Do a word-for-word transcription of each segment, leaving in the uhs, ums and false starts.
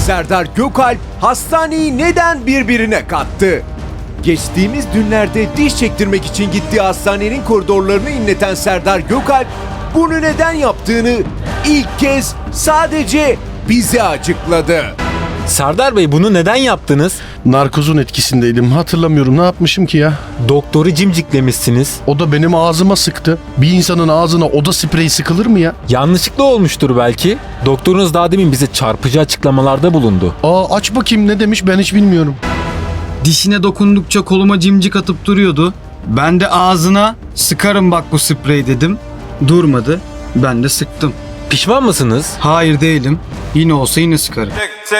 Serdar Gökalp hastaneyi neden birbirine kattı? Geçtiğimiz günlerde diş çektirmek için gittiği hastanenin koridorlarını inleten Serdar Gökalp bunu neden yaptığını ilk kez sadece bize açıkladı. Serdar Bey, bunu neden yaptınız? Narkozun etkisindeydim. Hatırlamıyorum, ne yapmışım ki ya? Doktoru cimciklemişsiniz. O da benim ağzıma sıktı. Bir insanın ağzına oda spreyi sıkılır mı ya? Yanlışlıkla olmuştur belki. Doktorunuz daha demin bize çarpıcı açıklamalarda bulundu. Aa, aç bakayım ne demiş, ben hiç bilmiyorum. Dişine dokundukça koluma cimcik atıp duruyordu. Ben de ağzına sıkarım bak bu sprey dedim. Durmadı. Ben de sıktım. Pişman mısınız? Hayır değilim. Yine olsa yine sıkarım.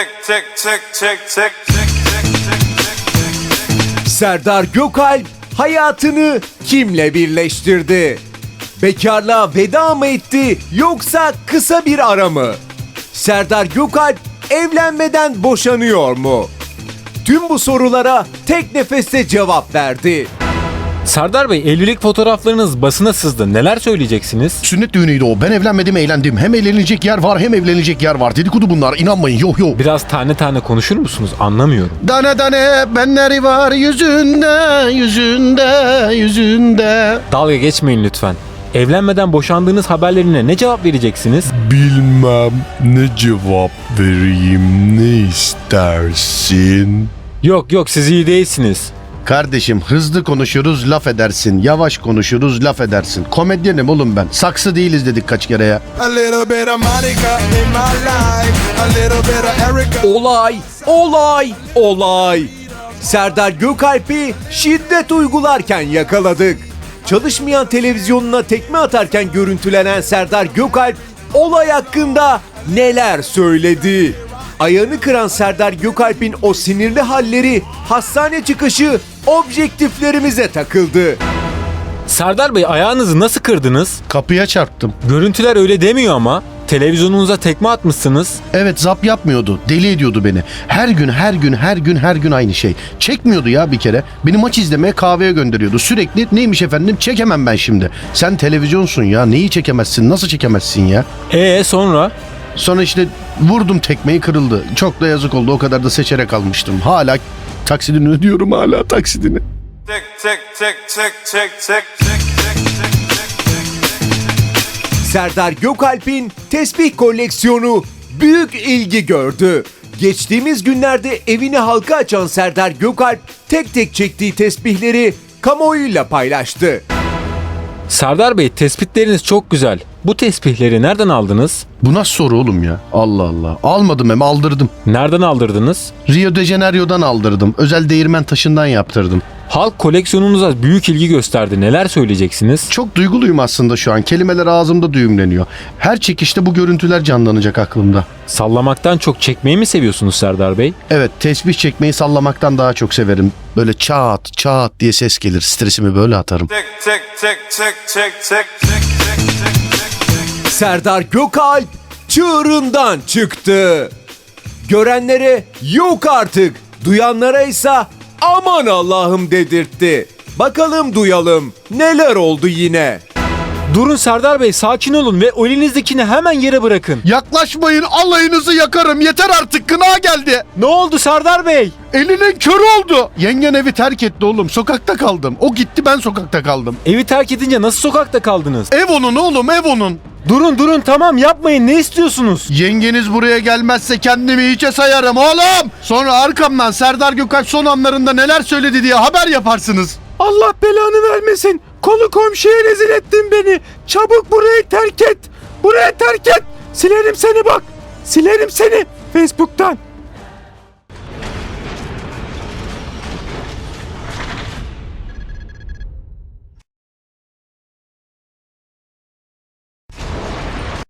Serdar Gökalp hayatını kimle birleştirdi? Bekarlığa veda mı etti yoksa kısa bir ara mı? Serdar Gökalp evlenmeden boşanıyor mu? Tüm bu sorulara tek nefeste cevap verdi. Serdar Bey, evlilik fotoğraflarınız basına sızdı. Neler söyleyeceksiniz? Sünnet düğünüydü o. Ben evlenmedim, eğlendim. Hem eğlenilecek yer var hem evlenilecek yer var. Dedikodu bunlar, inanmayın, yok yok. Biraz tane tane konuşur musunuz? Anlamıyorum. Dane dane benleri var yüzünde, yüzünde, yüzünde. Dalga geçmeyin lütfen. Evlenmeden boşandığınız haberlerine ne cevap vereceksiniz? Bilmem ne cevap vereyim, ne istersin? Yok yok, siz iyi değilsiniz. Kardeşim, hızlı konuşuruz laf edersin, yavaş konuşuruz laf edersin. Komedyenim oğlum ben. Saksı değiliz dedik kaç kere ya. A little bit of Monica in my life, a little bit of Erica. Olay, olay, olay. Serdar Gökalp'i şiddet uygularken yakaladık. Çalışmayan televizyonuna tekme atarken görüntülenen Serdar Gökalp olay hakkında neler söyledi? Ayağını kıran Serdar Gökalp'in o sinirli halleri, hastane çıkışı objektiflerimize takıldı. Serdar Bey, ayağınızı nasıl kırdınız? Kapıya çarptım. Görüntüler öyle demiyor ama. Televizyonunuza tekme atmışsınız. Evet, zap yapmıyordu. Deli ediyordu beni. Her gün, her gün, her gün, her gün aynı şey. Çekmiyordu ya bir kere. Beni maç izlemeye kahveye gönderiyordu. Sürekli neymiş efendim, çekemem ben şimdi. Sen televizyonsun ya, neyi çekemezsin, nasıl çekemezsin ya? Ee sonra? Sonra işte vurdum tekmeyi, kırıldı. Çok da yazık oldu, o kadar da seçerek almıştım. Hala taksidini ödüyorum, hala taksidini. Tick, tick, tick, tick, tick, tick, tick, tick, tick. Serdar Gökalp'in tesbih koleksiyonu büyük ilgi gördü. Geçtiğimiz günlerde evini halka açan Serdar Gökalp tek tek çektiği tesbihleri kamuoyuyla paylaştı. Serdar Bey, tespitleriniz çok güzel. Bu tesbihleri nereden aldınız? Bu nasıl soru oğlum ya? Allah Allah. Almadım, hem aldırdım. Nereden aldırdınız? Rio de Janeiro'dan aldırdım. Özel değirmen taşından yaptırdım. Halk koleksiyonunuza büyük ilgi gösterdi. Neler söyleyeceksiniz? Çok duyguluyum aslında şu an. Kelimeler ağzımda düğümleniyor. Her çekişte bu görüntüler canlanacak aklımda. Sallamaktan çok çekmeyi mi seviyorsunuz Serdar Bey? Evet, tesbih çekmeyi sallamaktan daha çok severim. Böyle çat çat diye ses gelir. Stresimi böyle atarım. Tick, tick, tick, tick, tick, tick, tick, tick, tick. Serdar Gökalp çığırından çıktı. Görenlere yok artık, duyanlara ise aman Allah'ım dedirtti. Bakalım duyalım neler oldu yine. Durun Serdar Bey, sakin olun ve o elinizdekini hemen yere bırakın. Yaklaşmayın, alayınızı yakarım. Yeter artık, kına geldi. Ne oldu Serdar Bey? Elinin körü oldu. Yengen evi terk etti oğlum. Sokakta kaldım. O gitti, ben sokakta kaldım. Evi terk edince nasıl sokakta kaldınız? Ev onun oğlum, ev onun. Durun durun, tamam yapmayın, ne istiyorsunuz? Yengeniz buraya gelmezse kendimi hiçe sayarım oğlum. Sonra arkamdan Serdar Gökalp son anlarında neler söyledi diye haber yaparsınız. Allah belanı vermesin. Konu komşuya rezil ettin beni. Çabuk burayı terk et. Burayı terk et. Silerim seni bak. Silerim seni Facebook'tan.